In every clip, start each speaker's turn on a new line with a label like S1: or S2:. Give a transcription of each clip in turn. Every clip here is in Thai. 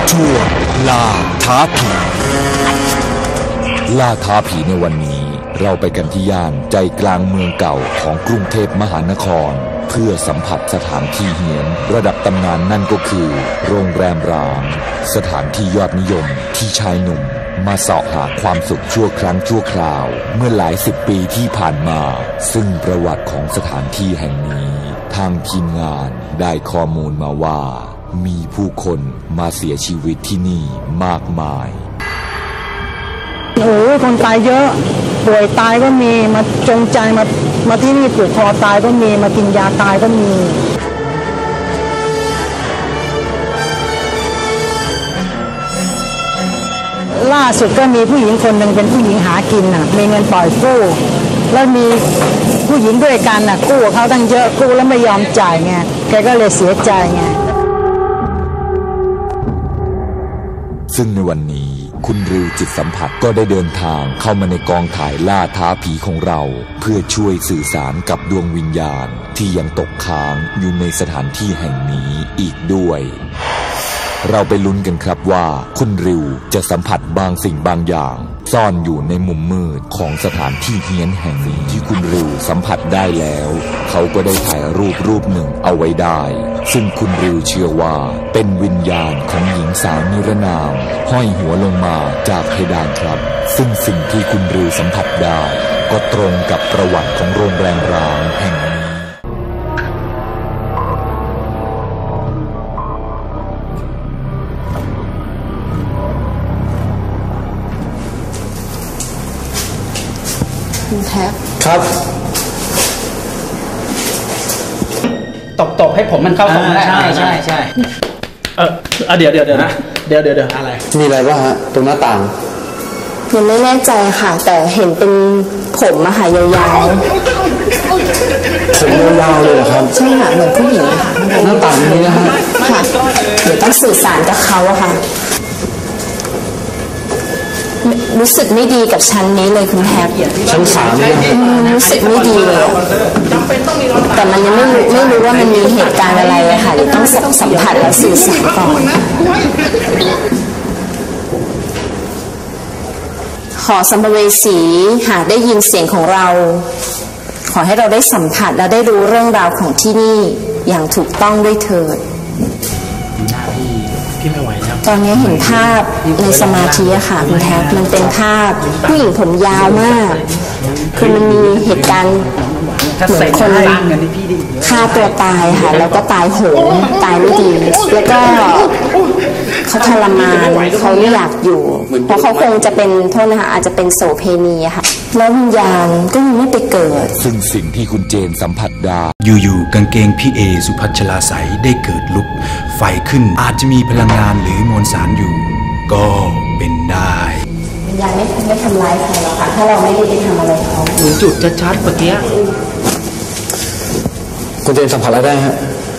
S1: ช่วงล่าท้าผีล่าท้าผีในวันนี้เราไปกันที่ย่านใจกลางเมืองเก่าของกรุงเทพมหานครเพื่อสัมผัสสถานที่เฮี้ยนระดับตำนานนั่นก็คือโรงแรมร้างสถานที่ยอดนิยมที่ชายหนุ่มมาเสาะหาความสุขชั่วครั้งชั่วคราวเมื่อหลายสิบปีที่ผ่านมาซึ่งประวัติของสถานที่แห่งนี้ทางทีมงานได้ข้อมูลมาว่ามีผู้คนมาเสียชีวิตที่นี่มากมาย
S2: โอ้ยคนตายเยอะป่วยตายก็มีมาจงใจมาที่นี่ปลูกคอตายก็มีมากินยาตายก็มีล่าสุดก็มีผู้หญิงคนหนึ่งเป็นผู้หญิงหากินน่ะมีเงินปล่อยกู้แล้วมีผู้หญิงด้วยกันน่ะกู้เขาตั้งเยอะกู้แล้วไม่ยอมจ่ายไงแกก็เลยเสียใจไง
S1: ซึ่งในวันนี้คุณริวจิตสัมผัสก็ได้เดินทางเข้ามาในกองถ่ายล่าท้าผีของเราเพื่อช่วยสื่อสารกับดวงวิญญาณที่ยังตกค้างอยู่ในสถานที่แห่งนี้อีกด้วยเราไปลุ้นกันครับว่าคุณริวจะสัมผัสบางสิ่งบางอย่างซ่อนอยู่ในมุมมืดของสถานที่เฮี้ยนแห่งนี้ที่คุณริวสัมผัสได้แล้วเขาก็ได้ถ่ายรูปหนึ่งเอาไว้ได้ซึ่งคุณริวเชื่อว่าเป็นวิญญาณของหญิงสาวนิรนามห้อยหัวลงมาจากเพดานครับซึ่งสิ่งที่คุณริวสัมผัสได้ก็ตรงกับประวัติของโรงแรมร้างแห่งนี้
S3: คุณแท็บ
S4: ครับ
S5: ตบให้ผมมันเข้าตรงได้
S4: ใช่
S5: เดี๋ยวนะเดี๋ยวอะไร
S4: มีอะไรบ้างฮะตรงหน้าต่าง
S3: ยังไม่แน่ใจค่ะแต่เห็นเป็นผมอะค่ะยาวๆ
S4: ผมยาวๆเลยเหรอครับ
S3: ใช่ค่ะเหมือนผู้หญิงค่ะ
S4: หน้าต่างนี้นะฮะ
S3: ค่ะเดี๋ยวต้องสื่อสารกับเขาอะค่ะรู้สึกไม่ดีกับชั้นนี้เลยคุณแท็บ
S4: ชั้น3เนี่ย
S3: รู้สึกไม่ดีเลยแต่มันยังไม่รู้ว่ามันมีเหตุการณ์อะไรอะค่ะเดี๋ยวต้องสัมผัสและสื่อสารก่อนขอสัมภเวสีหากได้ยินเสียงของเราขอให้เราได้สัมผัสและได้รู้เรื่องราวของที่นี่อย่างถูกต้องด้วยเถิดตอนนี้เห็นภาพในสมาธิอะค่ะคุณแท็บมันเป็นภาพผู้หญิงผมยาวมากคือมันมีเหตุการณ์เหมือนคนฆ่าตัวตายค่ะแล้วก็ตายโหงตายไม่ดีแล้วก็เขาทรมานเขาไม่อยากอยู่เพราะเขาคงจะเป็นโทษนะคะอาจจะเป็นโสเพณีอะค่ะแล้ววิญญาณก็ยังไม่ไปเกิด
S1: ซึ่งสิ่งที่คุณเจนสัมผัสได้
S6: อยู่ๆกางเกงพี่เอสุพัชลาใสได้เกิดลุกไฟขึ้นอาจจะมีพลังงานหรือมวลสารอยู่ก็เป็นได้
S3: วิญญาณไม่ทำร้ายใครหรอกค่ะถ้าเราไม่ได้ไปทำอะไรเขา
S5: หนูจุดชัดๆเมื่อกี้
S4: คุณเจนสัมผัสอะไรได้ฮะ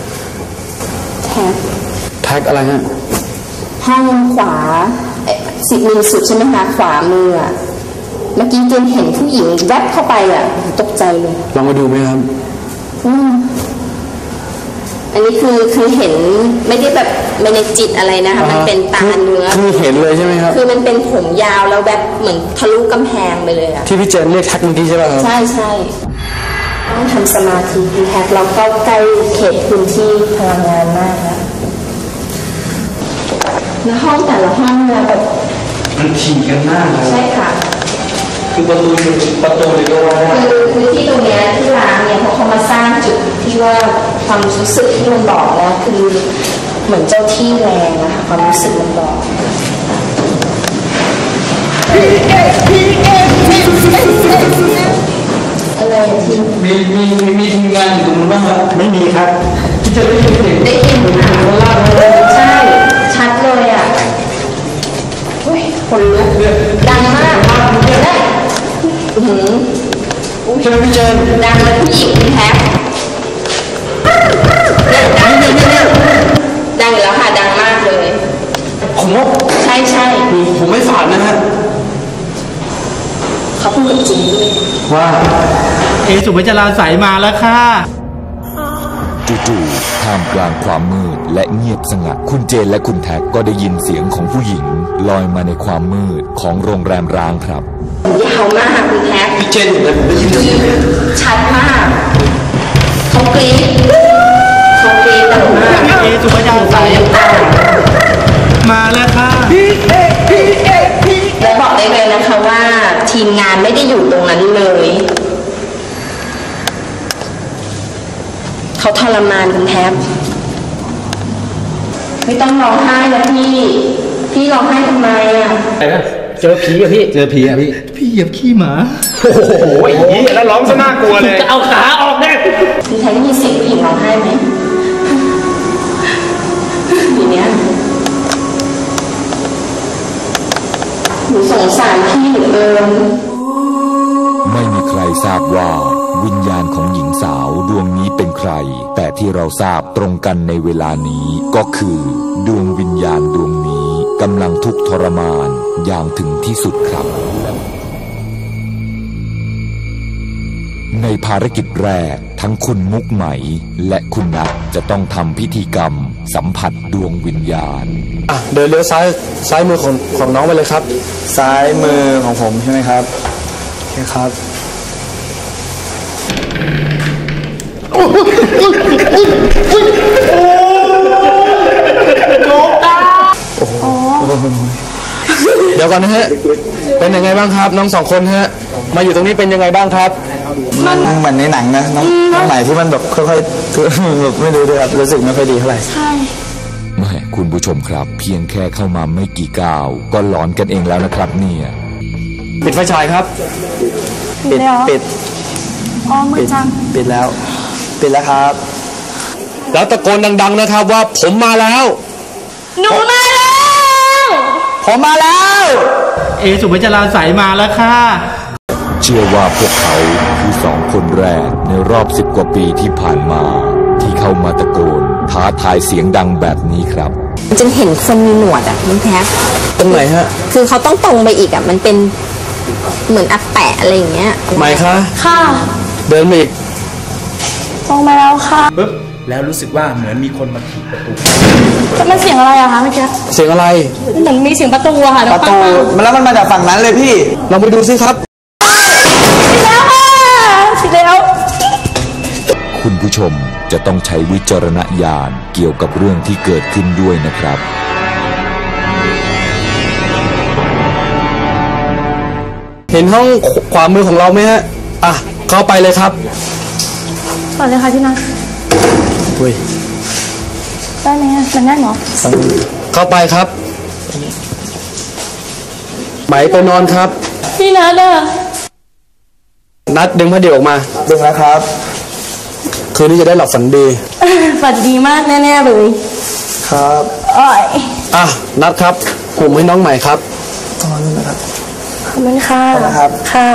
S4: แท็กอะไรฮะ
S3: ห้องขวามือสุดใช่ไหมคะขวามือเมื่อกี้เจนเห็นผู้หญิงแวบเข้าไปตกใจเลย
S4: ลองมาดูไหมครับ
S3: อันนี้คือเห็นไม่ได้แบบไม่ในจิตอะไรนะคะมันเป็นตาเนื้อ
S4: คือเห็นเลยใช่ไหมครับ
S3: คือมันเป็นผมยาวแล้วแบบเหมือนทะลุกำแพงไปเลย
S4: ที่พี่เจนเรียกแท็กเมื่อกี้ใช่ไหมครับ
S3: ใช่ต้องทำสมาธิดีแท็กเราเข้าใกล้เขตพื้นที่พลังงานมากนะแล้วห้องแต่ละห้องเนี่ยแบบ
S4: มันถี่กันมาก
S3: ใช่ค่ะ
S4: คือประตูเลยก็ว่า
S3: คือที่ตรงนี้ที่ร้านเนี่ยเขามาสร้างจุดที่ว่าความรู้สึกที่มันบอกแล้วคือเหมือนเจ้าที่แรงนะคะความรู้สึกมันบอกอะไรที
S4: มีทีมงานอยู่ตรงนู้นบ้างครับไม่มีครับที่จะได้ยินเสียง
S3: ได้ยินค่ะใช่ชัดเลยคนลุกดังมากได้
S4: ใช่ไหมพี่เจน
S3: ดังเลยผู้หญิงแท็บดังอยู่แล้วค่ะดังมากเลย
S4: ผมว่า
S3: ใช่
S4: ผมไม่ฝันนะฮะ
S3: เขาพูดจริงด้วย
S4: ว่า
S5: เอสุพัชราใสมาแล้วค่ะ
S1: จู่ๆท่ามกลางความมืดและเงียบสงัดคุณเจนและคุณแท็กก็ได้ยินเสียงของผู้หญิงลอยมาในความมืดของโรงแรมร้างครับ
S3: ยาวมากคุณแท็ก
S4: พี่เจนอยู่นะผมได้ยินเสียง
S3: ชัดมากเขากรี๊ดดังมาก
S5: พี่สุภาพใสมาแล้วค่ะ
S3: และบอกได้เลยนะคะว่าทีมงานไม่ได้อยู่ตรงนั้นเลยเขาทรมานคุณแท็บไม่ต้องร้องไห้นะพี่ร้องไห้ทำไมอ่ะ
S5: เจอผีอะพี่
S4: พี่เหยียบขี้หมา
S5: โอ้โหอย่างนี้แล้วร้องซะน่ากลัวเลยจะเอาขาออกแน่
S3: คุณแท็บได้ยินเสียงผู้หญิงร้องไห้ไหมอย่างเนี้ยหนูสงสารพี่หนู
S1: ไม่มีใครทราบว่าวิญญาณของหญิงสาวดวงนี้เป็นใครแต่ที่เราทราบตรงกันในเวลานี้ก็คือดวงวิญญาณดวงนี้กำลังทุกข์ทรมานอย่างถึงที่สุดครับในภารกิจแรกทั้งคุณมุกไหมและคุณนัทจะต้องทำพิธีกรรมสัมผัสดวงวิญญาณ
S4: เดินเลี้ยวซ้ายมือของน้องไปเลยครับซ้ายมือของผมใช่ไหมครับโอเคครับเดี๋ยวก่อนนะฮะเป็นยังไงบ้างครับน้อง2 คนฮะมาอยู่ตรงนี้เป็นยังไงบ้างครับมันเหมือนในหนังนะน้องใหม่ที่มันแบบค่อยๆแบบไม่รู้ด้วยครับรู้สึกไม่ค่อยดีเท่าไหร่
S3: ใช่
S1: แม่คุณผู้ชมครับเพียงแค่เข้ามาไม่กี่ก้าวก็หลอนกันเองแล้วนะครับเนี่ย
S4: ปิดไฟฉายครับปิด
S3: อ๋อมือจัง
S4: ปิดแล้วครับแล้วตะโกนดังๆนะครับว่าผมมาแล้ว
S3: หนูมาแล้ว
S4: ผมมาแล้ว
S5: สุภาพใสมาแล้วค่ะ
S1: เชื่อว่าพวกเขาคือ2 คนแรกในรอบ10 กว่าปีที่ผ่านมาที่เข้ามาตะโกนท้าทายเสียงดังแบบนี้ครับ
S3: จนเห็นคนมีหนวดอ่ะน้องแท็ก
S4: ตรงไหนฮะ
S3: คือเขาต้องตรงไปอีกอ่ะมันเป็นเหมือนอักแปะอะไรอย่างเงี้ย
S4: ไหมคะ
S3: ค่ะ
S4: เดินมาอีก
S3: ตรงมาแล้วค่ะ
S6: ปึ๊บแล้วรู้สึกว่าเหมือนมีคนมาถีบประตู
S3: แล้วมันเสียงอะไรอะคะเมื่อกี้
S4: เสียงอะไร
S3: เหมือนมีเสียงประตูอะค่ะ
S4: ประตูแล้วมันมาจากฝั่งนั้นเลยพี่ลองไปดูซิครับ
S3: แล้ว
S1: คุณผู้ชมจะต้องใช้วิจารณญาณเกี่ยวกับเรื่องที่เกิดขึ้นด้วยนะครับ
S4: เห็นห้องขวามือของเราไหมฮะเข้าไปเลยครับ
S3: ก่อนเลยค่ะพี่นัทได้ไหมมันแน่นเหรอ
S4: เข้าไปครับไหมไปนอนครับ
S3: พี่นัท
S4: นัดดึงผ้าเดี่ยวออกมาดึงแล้วครับคืนนี้จะได้หลับฝันดี
S3: ฝันดีมากแน่ๆเลย
S4: ครับนัดครับผมให้น้องใหม่ครับตอนนี้นะครับ
S3: ขอบคุณค่ะ
S4: ค่ะ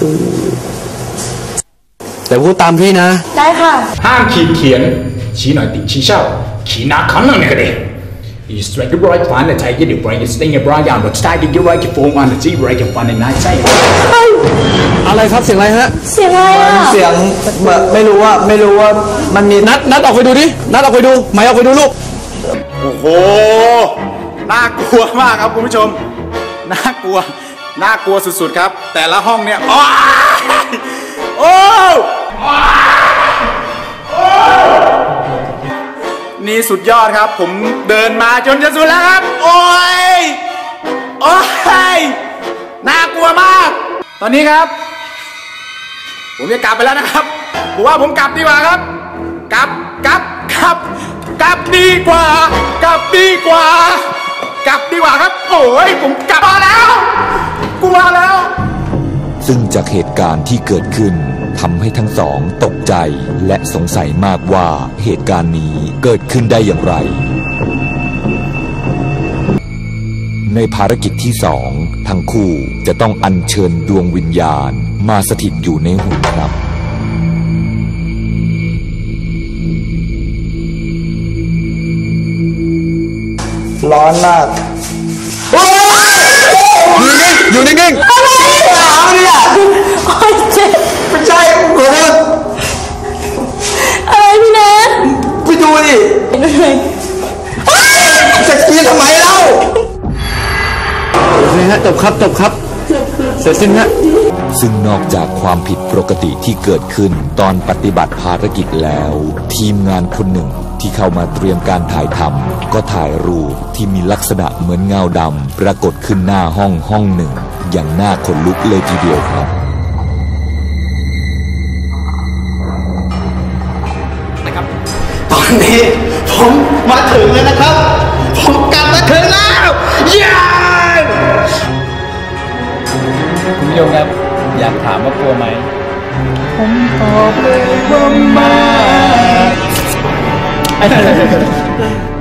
S4: แต่พูดตามพี่นะ
S3: ได้ค่ะ
S6: ห้ามขีดเขียนชี้หน่อยติชี้เช่าขีนาคันนั่นก็ได้You strike the right fan, the tiger, the brain, the sting, the brain, the stag, the right, the form, and the T, right, the fun, and night say.
S4: อะไรครับเสียงอะไรฮะ
S3: เสียงอะไรอ่ะ
S4: เสียงไม่รู้ว่ามันมีนัดออกไปดูดินัดออกไปดูไหมออกไปดูลูก
S6: โอ้โหน่ากลัวมากครับคุณผู้ชมน่ากลัวสุดๆครับแต่ละห้องเนี่ยโอ้นี่สุดยอดครับผมเดินมาจนจะสุดแล้วครับโอ้ยน่ากลัวมากตอนนี้ครับผมจะกลับไปแล้วนะครับผมว่าผมกลับดีกว่าครับกลับดีกว่าครับโอ้ยผมกลับมาแล้วกูมาแล้ว
S1: ซึ่งจากเหตุการณ์ที่เกิดขึ้นทำให้ทั้งสองตกใจและสงสัยมากว่าเหตุการณ์นี้เกิดขึ้นได้อย่างไรในภารกิจที่2ทั้งคู่จะต้องอัญเชิญดวงวิญญาณมาสถิตอยู่ในหุ่นครับ
S4: ร้อนมากอยู่นิ่ง
S3: อะไรเนี่ยโอ๊ยเจ็บ
S4: ไม่ใช่โอ้โห
S3: อะไรพี่แนท
S4: ดูดิจะกินทำไมเล่าโอเคฮะจบครับเสร็จสิ้นฮะ
S1: ซึ่งนอกจากความผิดปกติที่เกิดขึ้นตอนปฏิบัติภารกิจแล้ว ทีมงานคนหนึ่งที่เข้ามาเตรียมการถ่ายทำก็ถ่ายรูปที่มีลักษณะเหมือนเงาดำปรากฏขึ้นหน้าห้องหนึ่งอย่างน่าขนลุกเลยทีเดียวครับ
S5: ตอนนี้ผมมาถึงแล้วนะครับผมกลับมาถึงแล้วเย้
S7: คุณผู้ชมครับอยากถามว่ากลัวไหมผมตอบเลยว่าไม่